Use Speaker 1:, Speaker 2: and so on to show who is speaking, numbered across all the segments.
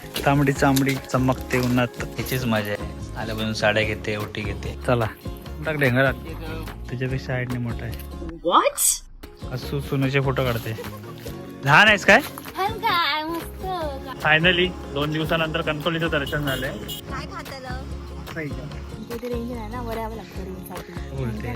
Speaker 1: तांबडी चांबडी चमकते उन्हात, ह्याचीच मजा आहे. आल्यापासून साड्या घेते, ओटी घेते. चला टाक ढेंगरात, तुझ्यापेक्षा हाईटने मोठा आहे.
Speaker 2: व्हॉट?
Speaker 1: असू सोनूचे फोटो काढते. लहान आहेस काय? फायनली 2 दिवसानंतर कणकवलीचं दर्शन झालंय.
Speaker 2: काय खात्याला रेंज नाही ना, वड्यावं लागतं रेंज
Speaker 1: बोलते.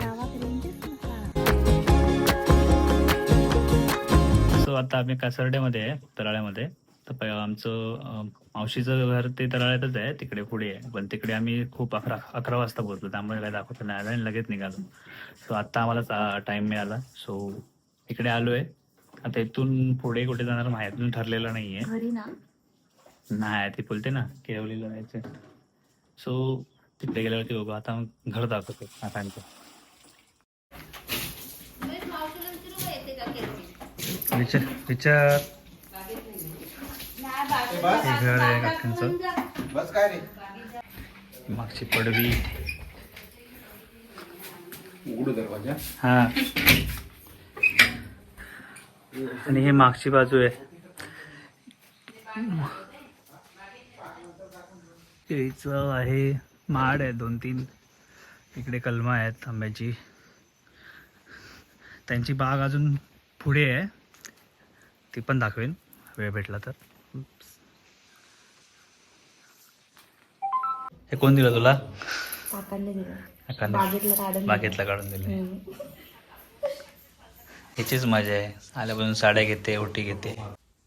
Speaker 1: सो आता आम्ही कासर्डेमध्ये आहे, तराळ्यामध्ये. तर आमचं मावशीचं घर ते तराळ्यातच आहे, तिकडे पुढे आहे. पण तिकडे आम्ही खूप 11 वाजता पोहोचलो, त्यामुळे काय दाखवतो नाही आलं आणि लगेच निघालो. सो आता आम्हाला टाइम मिळाला, सो इकडे आलोय. आता इथून पुढे कुठे जाणार माहिती ठरलेलं नाहीये.
Speaker 2: घरी ना
Speaker 1: नाही ती बोलते ना केळवलीला जायचं. सो तिकडे गेल्यावरती बघू. आता घर दाखवतो काकांचं. विचार विचार हे घर आहे काकांचं.
Speaker 3: बस काय रे,
Speaker 1: मागची पडवी.
Speaker 3: उघडू दरवाजा.
Speaker 1: हा, आणि हे मागची बाजू आहे. केळीचं आहे, माड आहे 2-3. इकडे कलमा आहेत आंब्याची. त्यांची बाग अजून पुढे आहे, ती पण दाखवेन वेळ भेटला तर. हे कोण दिलं तुला?
Speaker 2: काकांनी दिलं,
Speaker 1: काकांनी
Speaker 2: बागेतलं काढून
Speaker 1: बागेतला काढून दिले. ह्याचीच मजा आहे. आल्यापासून साड्या घेते, ओटी घेते.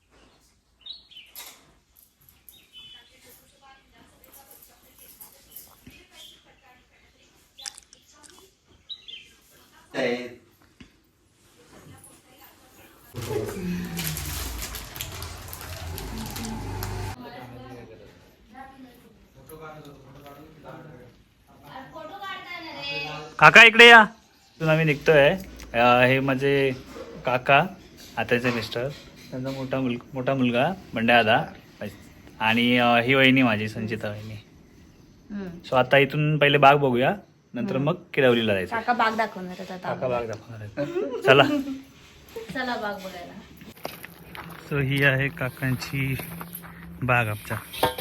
Speaker 1: काका इकडे या. इथून आम्ही निघतोय. हे माझे काका, आत्याचे मिस्टर, त्यांचा मोठा मुलगा बंड्या दादा, आणि ही वहिनी माझी संचिता वहिनी. सो आता इथून पहिले बाग बघूया, नंतर मग किरवलीला जायचं.
Speaker 2: काका बाग दाखवणार आहेत आता.
Speaker 1: काका बाग दाखवणार आहेत. चला
Speaker 2: चला बाग बघायला.
Speaker 1: सो ही आहे काकांची बाग आमच्या.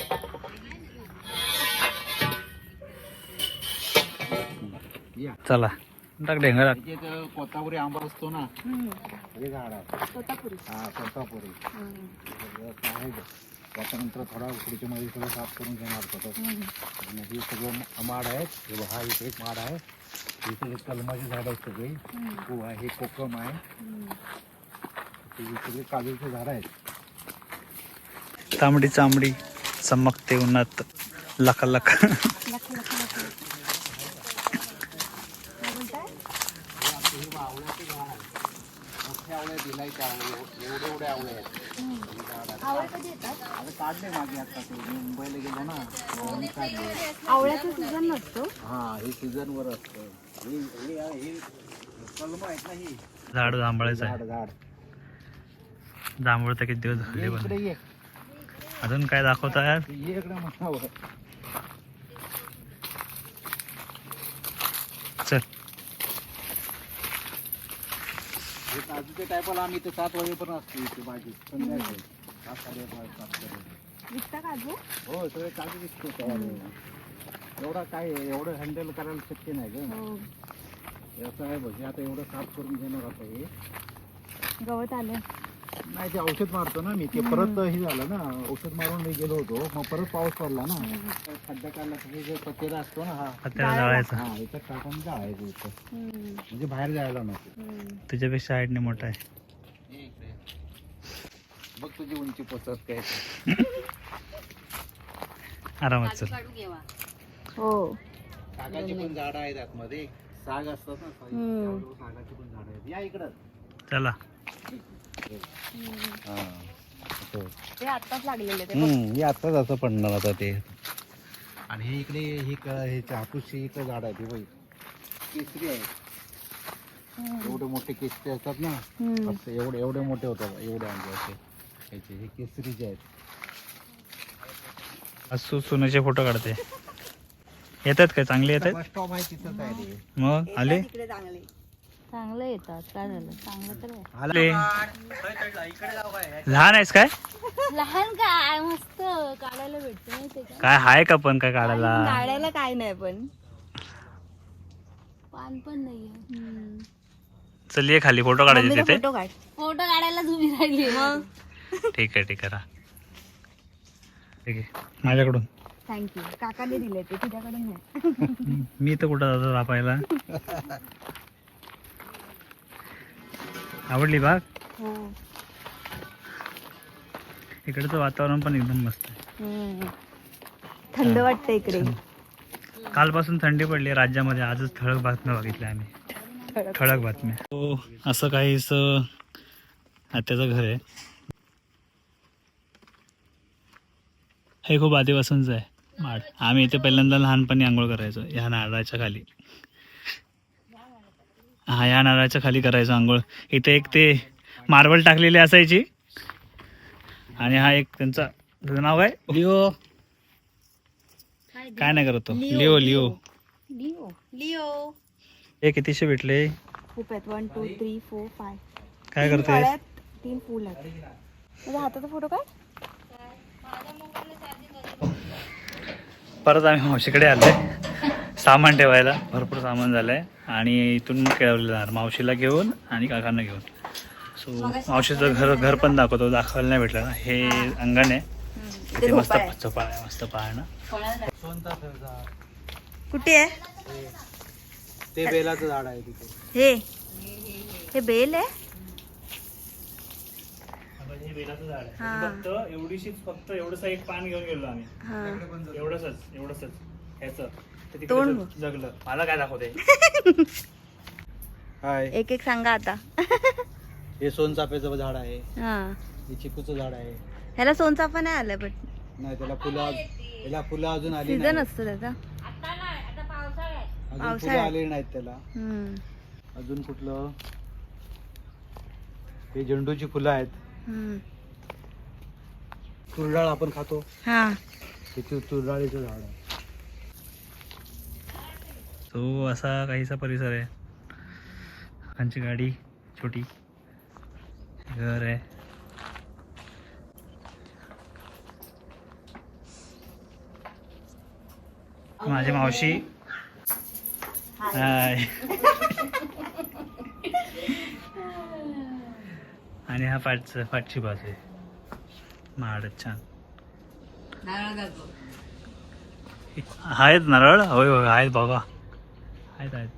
Speaker 1: चला टाक ढेंगरात.
Speaker 3: कोतापुरी आंबा असतो ना, हे झाड आहे.
Speaker 2: स्वतःपुरी.
Speaker 3: हा, कोतापुरी. आहे त्याच्यानंतर थोडा उकडीच्या मध्ये सगळं साफ करून घेणार होतं. आणि हे सगळं माड आहेत. हे हा इथे एक माड आहे. इथे एक कलमाची झाड आहेत सगळी. हे कोकम आहे. हे सगळे काजूचे झाड आहेत.
Speaker 1: तांबडी चांबडी चमकते उन्हात, लका लका.
Speaker 3: आवळे दिलायचे आवळे, एवढे आवळे आहेत.
Speaker 2: आवळे कधी येतात?
Speaker 3: आता काढले मागे आता ते मी मुंबईला गेलो ना, म्हणून काढले.
Speaker 2: आवळ्याचा सीझन नसतो.
Speaker 3: हा, हे सीझन वर असतं. हे कलम आहेत ना, ही
Speaker 1: झाड जांभळाचं आहे.
Speaker 3: झाड.
Speaker 1: जांभूळ तर किती दिवस झाले.
Speaker 3: इकडे
Speaker 1: पण
Speaker 3: ये,
Speaker 1: अजून काय दाखवता यार?
Speaker 3: ये इकडे म्हणावं.
Speaker 1: चल.
Speaker 3: हे काजूच्या टायपाला आम्ही इथे 7 वाजेपर्यंत असतो इथे भाजी. संध्याकाळी 7-7:30.
Speaker 2: विकता काजू?
Speaker 3: हो, सगळे काजू विकतो तयार आहे. एवढा काय एवढं हँडल करायला शक्य नाही ग. असं आहे बघ, आता एवढं साफ करून घेणार आता हे.
Speaker 2: गवत आलं
Speaker 3: नाही, ते औषध मारतो ना मी. ते परत हे झालं ना, औषध मारून मी गेलो होतो, मग परत पाऊस पडला ना, खड्डा काढला. जे पत्तेला असतो ना, हा
Speaker 1: त्याला जाळायचं.
Speaker 3: हा, याच्यात टाकून जायचं इथं, म्हणजे बाहेर जायला नको.
Speaker 1: तुझ्यापेक्षा हाईटने मोठा आहे.
Speaker 3: बघ तुझी उंची पोचत काय.
Speaker 1: आरामात चल.
Speaker 2: हो.
Speaker 3: सागाची पण झाडं आहेत आतमध्ये. साग असतात ना, सागाची पण झाडं आहेत. या इकडं.
Speaker 1: चला.
Speaker 2: ते आत्ताच लागलेले ते.
Speaker 3: हे आत्ताच असं पडणार आता ते. आणि हे इकडे हे हापूसची इकडे झाड आहे. ते बघ, केसरी आहे. एवढे मोठे केसरी असतात ना, असं एवढे मोठे होतात. एवढे आंबे असे ह्याचे, हे केसरीचे आहेत.
Speaker 1: असू सोनूचे फोटो काढते. येतात काय? चांगले येतात.
Speaker 3: बस स्टॉप आहे तिथंच आहे ते.
Speaker 1: मग आले
Speaker 2: चांगलं येतात. काय झालं? चांगलं तर आहे.
Speaker 1: आले. लहान आहेस काय?
Speaker 2: लहान काय मस्त काढायला भेटतो माहितीये का?
Speaker 1: काय हाय का पण काय काढायला?
Speaker 2: काढायला काय नाही पण पान पण नाहीये.
Speaker 1: चल ये खाली फोटो काढायचे तिथे.
Speaker 2: फोटो काढ. फोटो काढायला तुम्ही राहिली मग.
Speaker 1: ठीक आहे ठीक आहे माझ्याकडून.
Speaker 2: थँक्यू. काकाने दिले ते तुझ्याकडून नाही.
Speaker 1: मी तर कुठं जातो रापायला. आवडली बाग?
Speaker 2: हो.
Speaker 1: इकडचं वातावरण पण एकदम मस्त आहे.
Speaker 2: थंड वाटतं इकडे.
Speaker 1: कालपासून थंडी पडली राज्यामध्ये. आजच ठळक बातम्या बघितल्या आम्ही. ठळक बातम्या. हो असं काहीच आत्याचं घर आहे. हे खूप आधीपासूनच आहे माड. आम्ही इथे पहिल्यांदा लहानपणी आंघोळ करायचो ह्या नारळाच्या खाली. हा या नारळाच्या खाली करायचो आंघोळ. इथे एक ते मार्बल टाकलेली असायची आणि हा एक त्यांचा नाव आहे लिओ. काय नाही करतो लिओ लिओ
Speaker 2: लिओ लिओ.
Speaker 1: हे कितीशे भेटले?
Speaker 2: खूप आहेत. 1 2 3 4 5.
Speaker 1: काय करतोय?
Speaker 2: 3 फुल आहेत. माझ्या हाताचा फोटो काढ.
Speaker 1: परत आम्ही मावशीकडे आलोय सामान ठेवायला. भरपूर सामान झालंय आणि इथून मग खेळवलं जाणार मावशीला घेऊन आणि काकांना घेऊन. सो मावशीचं घर पण दाखवायला नाही भेटलं ना. हे अंगण आहे. ते मस्त झोपाळ आहे. मस्त पाळणं.
Speaker 2: कुठे आहे?
Speaker 3: ते बेलाचं झाड आहे तिथे.
Speaker 2: हे बेल आहे.
Speaker 1: हे बेलाचं झाड आहे. फक्त एवढंच एक पान घेऊन गेलो आम्ही. एवढंच ह्याचं ते तिकडे जगलं. मला काय दाखवते?
Speaker 3: हाय.
Speaker 2: एक एक सांगा आता.
Speaker 3: हे सोनचाफ्याचं झाड आहे.
Speaker 2: हा.
Speaker 3: हे चिकूचं झाड आहे.
Speaker 2: ह्याला सोनचाफा नाही आलाय पण
Speaker 3: नाही त्याला फुलं अजून आली
Speaker 2: सीझन
Speaker 3: नाही.
Speaker 2: असतो त्याचा.
Speaker 3: अजून फुलं आली नाहीत त्याला.
Speaker 2: हम्म.
Speaker 3: अजून कुठलं? हे झेंडूची फुलं आहेत. तुरडाळ आपण खातो.
Speaker 2: हा.
Speaker 3: हे तुरडाळीचं झाड आहे.
Speaker 1: तो असा काहीसा परिसर आहे. काकांची गाडी छोटी. घर आहे. माझी मावशी. हाय. आणि हा पाठची बाजू आहे. माडच छान आहेत नारळ. होय होय आहेत बाबा. आहेत.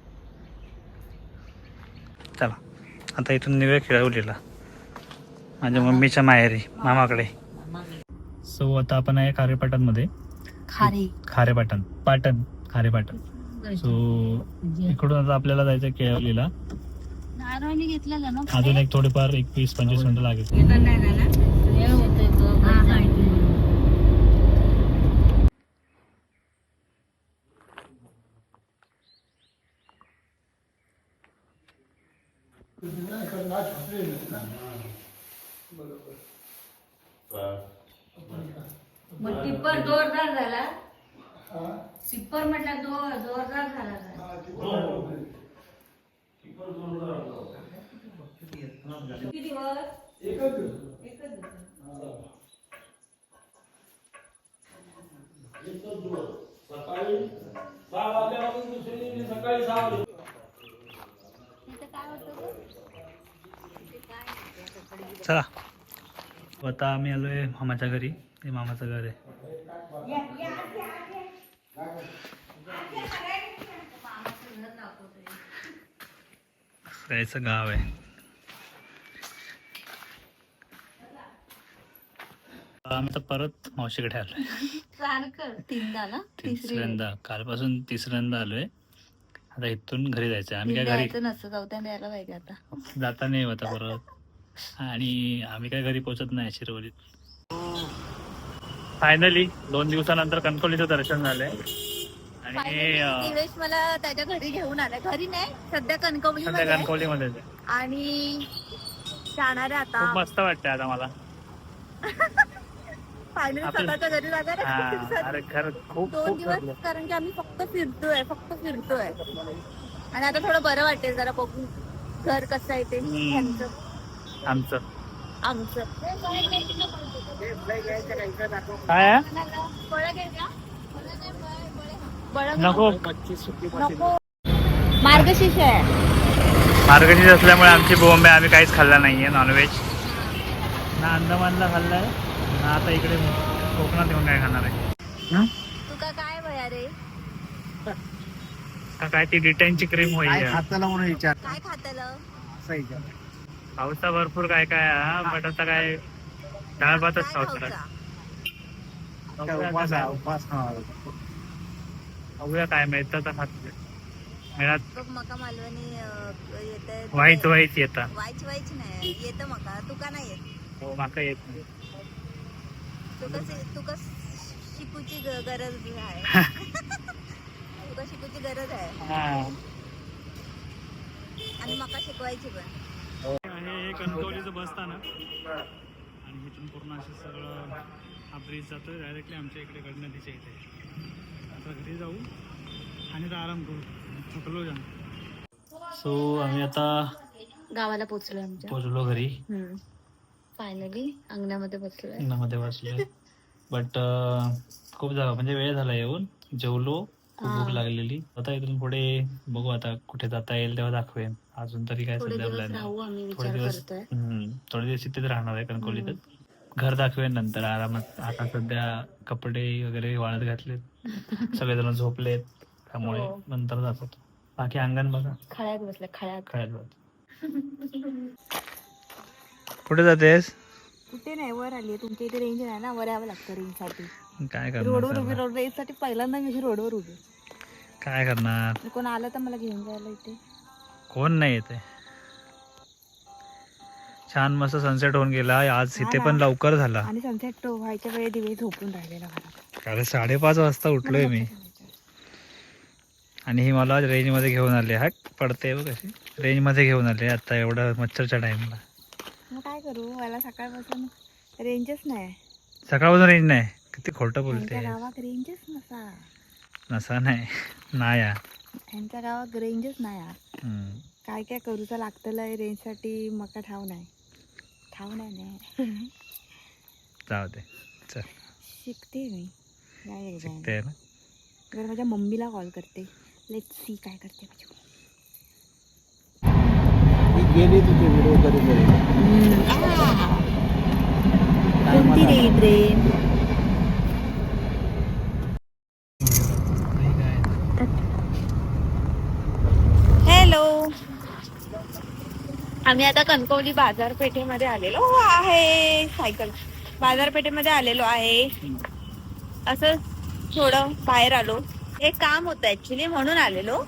Speaker 1: चला आता इथून निघूया खेळवलीला माझ्या मम्मीच्या माहेरी मामाकडे. सो आता आपण आहे खारेपाटणमध्ये. खारेपाटण सो इकडून आता आपल्याला जायचं केळवलीला. अजून एक थोडेफार 20-25 मिनिटं लागेल.
Speaker 4: मग टिप्पर जोरदार झाला. टिप्पर म्हटलं जोरदार झाला. किती दिवस? एकच दिवस.
Speaker 3: सकाळी 6 वाजल्यापासून दुसऱ्या दिवशी सकाळी 6 वाजता.
Speaker 1: चला आता आम्ही आलोय मामाच्या घरी. हे मामाचं घर आहे. याचं गाव आहे. आम्ही तर परत मावशीकडे आलोय. तिसऱ्यांदा. कालपासून तिसऱ्यांदा आलोय. आता इथून घरी जायचंय. आम्ही काय घरी
Speaker 2: नसतं. चौथ्यांदा यायला पाहिजे आता.
Speaker 1: जाता नाही होता परत. आणि आम्ही काय घरी पोहोचत नाही शिरवलीत. फायनली 2 दिवसानंतर कणकवलीचं दर्शन झालंय. आणि
Speaker 2: दिवेश मला त्याच्या घरी घेऊन आलाय. घरी नाही सध्या
Speaker 1: कणकवलीमध्ये
Speaker 2: आणि जाणार आहे आता.
Speaker 1: खूप मस्त वाटतंय आता मला.
Speaker 2: फायनली स्वतःच्या घरी जाणार आहे.
Speaker 1: अरे खरं खूप
Speaker 2: 2 दिवस कारण की आम्ही फक्त फिरतोय. आणि आता थोडं बरं वाटेल जरा बघून घर कसं आहे ते.
Speaker 1: आमचं
Speaker 2: आमचं
Speaker 1: काय आहे?
Speaker 2: बळं घे का? बळं
Speaker 1: नको.
Speaker 2: नको. मार्गशीर्ष आहे.
Speaker 1: मार्गशीर्ष असल्यामुळे आमची बोंब आहे. आम्ही काहीच खाल्ला नाहीये नॉनव्हेज. ना अंदमानला खाल्लाय ना आता इकडे कोकणात येऊन काय खाणार आहे.
Speaker 2: तुका काय भया रे?
Speaker 1: काय ती डिटेनची क्रीम होईल.
Speaker 3: खाताला म्हणून विचार
Speaker 2: काय खातलं?
Speaker 3: असा विचार.
Speaker 1: पावसा भरपूर काय काय हा बट आता काय डाळ भातच
Speaker 2: काय
Speaker 1: पावसाळ्यात.
Speaker 2: खाऊचा?
Speaker 3: उपास आहे, उपास खावा.
Speaker 1: बघूया काय मिळतं तर खात मिळत.
Speaker 2: बघ मका मालवणी येत
Speaker 1: वाईट वाईट येतात.
Speaker 2: वाईच वाईच नाही येतं मका. तुका नाही येत.
Speaker 1: हो माका येत नाही.
Speaker 2: तुका शिकूची गरज आहे. तुका शिकूची गरज आहे
Speaker 1: हा.
Speaker 2: आणि मका शिकवायची पण.
Speaker 1: हे कणकवलीचं बस स्थानक आणि इथून पूर्ण असं सगळं हा ब्रिज जातो डायरेक्टली आमच्या इकडे गडनदीच्या इथे. आता घरी जाऊ आणि आता आराम करू. थकलो जाण. सो आम्ही आता
Speaker 2: गावाला पोहोचलो आमच्या.
Speaker 1: पोचलो घरी.
Speaker 2: फायनली अंगणामध्ये बसलोय.
Speaker 1: अंगणामध्ये बसलोय. बट खूप जागा म्हणजे वेळ झाला येऊन. जेवलो. खूप भूक लागलेली. आता इथून पुढे बघू आता कुठे जाता येईल तेव्हा दाखवेन. अजून तरी काय
Speaker 2: थोडे
Speaker 1: सध्या
Speaker 2: दिवस
Speaker 1: प्लॅन
Speaker 2: राहू आम्ही
Speaker 1: थोडे
Speaker 2: विचार
Speaker 1: दिवस
Speaker 2: करतोय.
Speaker 1: थोडे दिवस इथेच राहणार आहे कणकवलीतच. घर दाखवेन नंतर आरामात. आता सध्या कपडे वगैरे वाळत घातलेत. सगळेजण झोपलेत त्यामुळे
Speaker 2: हो.
Speaker 1: नंतर जातो. बाकी अंगण बघा
Speaker 2: खळ्यात बसले खळ्यात.
Speaker 1: काय जात. कुठे जातेस?
Speaker 2: कुठे नाही वर आली. तुमच्या इथे रेंज नाही ना. वर यावं लागतं रेंज साठी.
Speaker 1: काय
Speaker 2: रोडवर उभी
Speaker 1: करणार?
Speaker 2: रोड रेंज साठी पहिल्यांदा मी रोडवर उभी.
Speaker 1: काय करणार?
Speaker 2: कोण आलं तर मला घेऊन जायला इथे.
Speaker 1: कोण नाही येते. छान मस्त सनसेट होऊन गेला आज.
Speaker 2: हा
Speaker 1: इथे
Speaker 2: ना.
Speaker 1: पण लवकर झाला.
Speaker 2: आणि सनसेट व्हायच्या वेळी दिवे झोपून राहिलेला घरात.
Speaker 1: कारण 5:30 वाजता उठलोय मी. आणि ही मला रेंज मध्ये घेऊन आले. हा पडते बघ कशी रेंज मध्ये घेऊन आले आता एवढा मच्छरच्या टाइमला.
Speaker 2: मग काय करू. मला सकाळपासून रेंजच नाही.
Speaker 1: सकाळपासून रेंज नाही. किती खोटं बोलते.
Speaker 2: यांच्या गावात रेंजच नसा.
Speaker 1: नसा नाही नाही या.
Speaker 2: यांच्या गावात रेंजच नाही यार. काय काय करूचा लागतलं रेंज साठी. मका ठाव नाही. ठाव नाही.
Speaker 1: जाऊ दे चल.
Speaker 2: शिकते मी. काय
Speaker 1: शिकते ना.
Speaker 2: जर माझ्या मम्मीला कॉल करते. लेट्स सी काय करते माझी मम्मी.
Speaker 3: गेली तुझे व्हिडिओ कधी कधी.
Speaker 2: कोणती रे ट्रेन. हॅलो. आम्ही आता कणकवली बाजारपेठेमध्ये आलेलो आहे. सायकल बाजारपेठेमध्ये आलेलो आहे. असं थोडं बाहेर आलो. एक काम होतं ऍक्च्युली म्हणून आलेलो.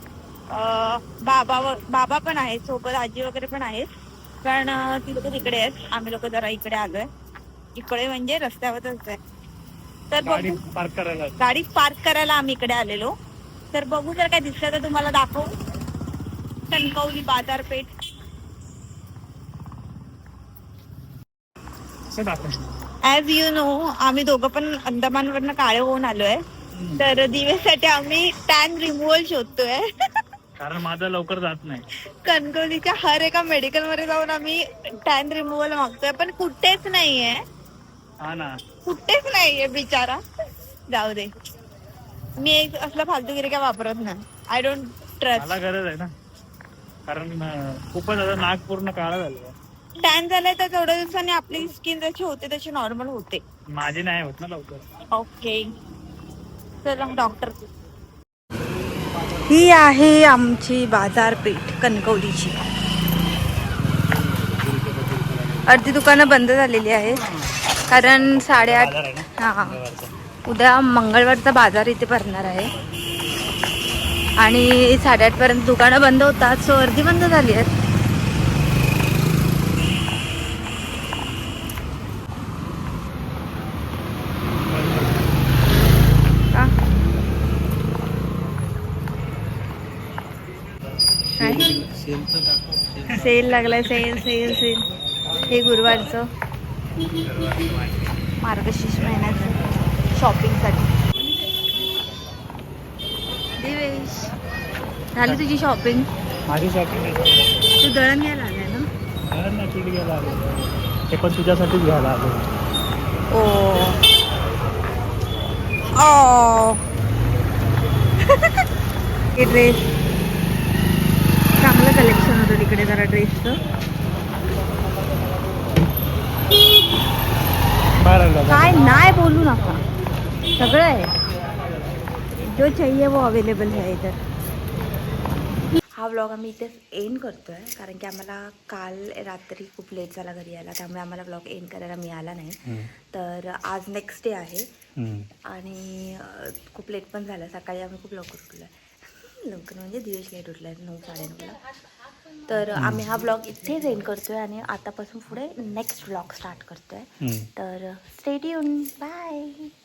Speaker 2: बाबा पण आहेत सोबत. आजी वगैरे पण आहेत. कारण ती लोक तिकडे आहेत. आम्ही लोक जरा इकडे आलोय. इकडे म्हणजे रस्त्यावरच आहे. तर
Speaker 1: गाडी
Speaker 2: बघू.
Speaker 1: पार्क करायला.
Speaker 2: गाडी पार्क करायला आम्ही इकडे आलेलो. तर बघू जर काय दिसलं तर तुम्हाला दाखवू. कणकवली बाजारपेठ. ऍज यू नो आम्ही दोघं पण अंदमानवरनं काळे होऊन आलोय. तर दिवेसाठी आम्ही टॅन रिमूव्हल शोधतोय.
Speaker 1: कारण माझं लवकर जात नाही.
Speaker 2: कणकवलीच्या हर एका मेडिकल मध्ये जाऊन आम्ही टॅन रिमूव्हल मागतोय. पण कुठेच नाहीये.
Speaker 1: हा ना.
Speaker 2: कुठेच नाहीये बिचारा. जाऊ दे. मी एक असला फालतूगिरी काय वापरत नाही. I don't trust.
Speaker 1: मला गरज आहे ना. कारण खूपच आता नाक पूर्ण काळा झालं.
Speaker 2: टॅन झालंय तर थोड्या दिवसांनी आपली स्किन जशी होते तशी नॉर्मल होते.
Speaker 1: माझी नाही होत ना लवकर.
Speaker 2: ओके. चला डॉक्टर. ही आहे आमची बाजारपेठ कणकवलीची. अर्धी दुकानं बंद झालेली आहेत. कारण 8:30. हा उद्या मंगळवारचा बाजार इथे भरणार आहे. आणि 8:30 पर्यंत दुकानं बंद होतात. सो अर्धी बंद झाली आहेत. सेल लागलाय. Sale sale sale. हे गुरुवारचं मार्गशीर्ष महिन्याचं शॉपिंगसाठी. दिवेश झाली तुझी शॉपिंग.
Speaker 1: माझी शॉपिंग
Speaker 2: तू दळण घ्यायला आलाय ना.
Speaker 1: पीठ घ्यायला आलो. ते पण तुझ्यासाठीच घ्यायला आलो.
Speaker 2: ओ ओ हे ड्रेस चांगलं कलेक्शन होतं तिकडे जरा ड्रेसचं. काय नाही बोलू नका, सगळं आहे, जो चाहिए वो अवेलेबल है इधर. हा व्लॉग आम्ही इथेच एंड करतो आहे, कारण की आम्हाला काल रात्री खूप लेट झाला घरी यायला, त्यामुळे आम्हाला व्लॉग एंड करायला मिळाला नाही. तर आज नेक्स्ट डे आहे आणि खूप लेट पण झालं. सकाळी आम्ही खूप लवकर उठलो आहे, लवकर म्हणजे दिवस लेट उठला आहे, 9-9:30ला. तर आम्ही हा व्लॉग इथेच एंड करतो आहे आणि आतापासून पुढे नेक्स्ट व्लॉग स्टार्ट करतो आहे. तर स्टे ट्यून, बाय.